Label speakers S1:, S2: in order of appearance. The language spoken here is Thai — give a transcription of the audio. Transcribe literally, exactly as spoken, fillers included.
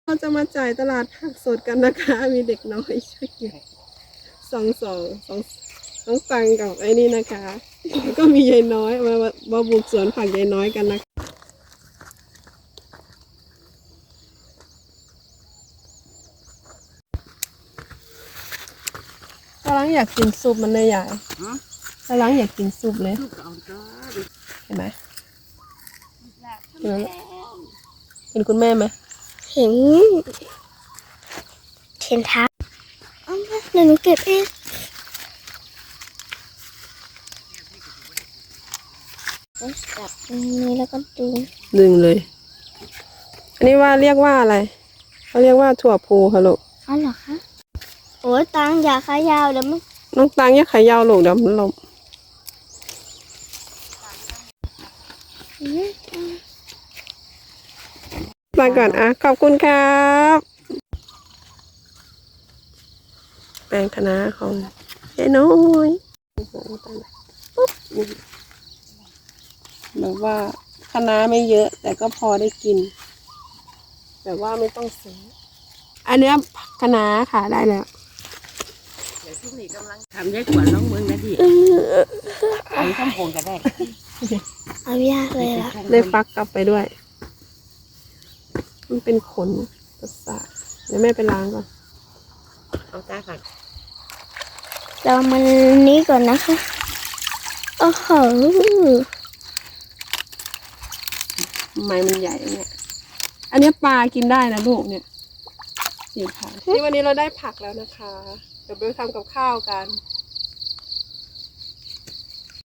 S1: เราจะมาจ่ายตลาดผักสดกันนะคะมีเด็กน้อยช่วยอยู่สองสองสองน้องตังกับไอ้นี่นะคะแล้วก็มียายน้อยมามาบุกสวนผักยายน้อยกันนะกำลังอยากกินซุปมันเลยใหญ่กำลังอยากกินซุปเลยเห็นไหมเห็นไหมเห็นคุณแม่ไหม
S2: เห็นเห็นทับเอามาเดี๋ยวหนูเก็บเองจับตรงนี้แล้วก็ดึง
S1: ดึงเลยอันนี้ว่าเรียกว่าอะไรเขาเรียกว่าถั่วพูค่ะลูก
S2: อ๋อเหรอคะโอ้ยตังอย่าขายาวเดี๋ยวมัน
S1: น้องตังอย่าขายาวลูกเดี๋ยวมันลมมาก่อนอ่ะขอบคุณครับแปลงคณะของยายน้อยปุ๊บแบบว่าคณะไม่เยอะแต่ก็พอได้กินแบบว่าไม่ต้องซื้ออันเนี้ยคณะค่ะได้แล้ว
S3: เดี๋ยวช่วงนี้กำลังทำได้ขวัญน้องเมืองนะดิเอาข้ามโพงก็ได้
S2: เอายากเลยล่ะ
S1: ได้ฟักกลับไปด้วยมันเป็นขนประสาทเดี๋ยวแม่ไปล้างก่อน
S3: เอาตาก่อน
S2: เรามันนี้ก่อนนะคะโอ้โห
S1: ไม้มันใหญ่เนี่ยอันนี้ปลากินได้นะลูกเนี่ยสีผักนี่วันนี้เราได้ผักแล้วนะคะเดี๋ยวไปทำกับข้าวกัน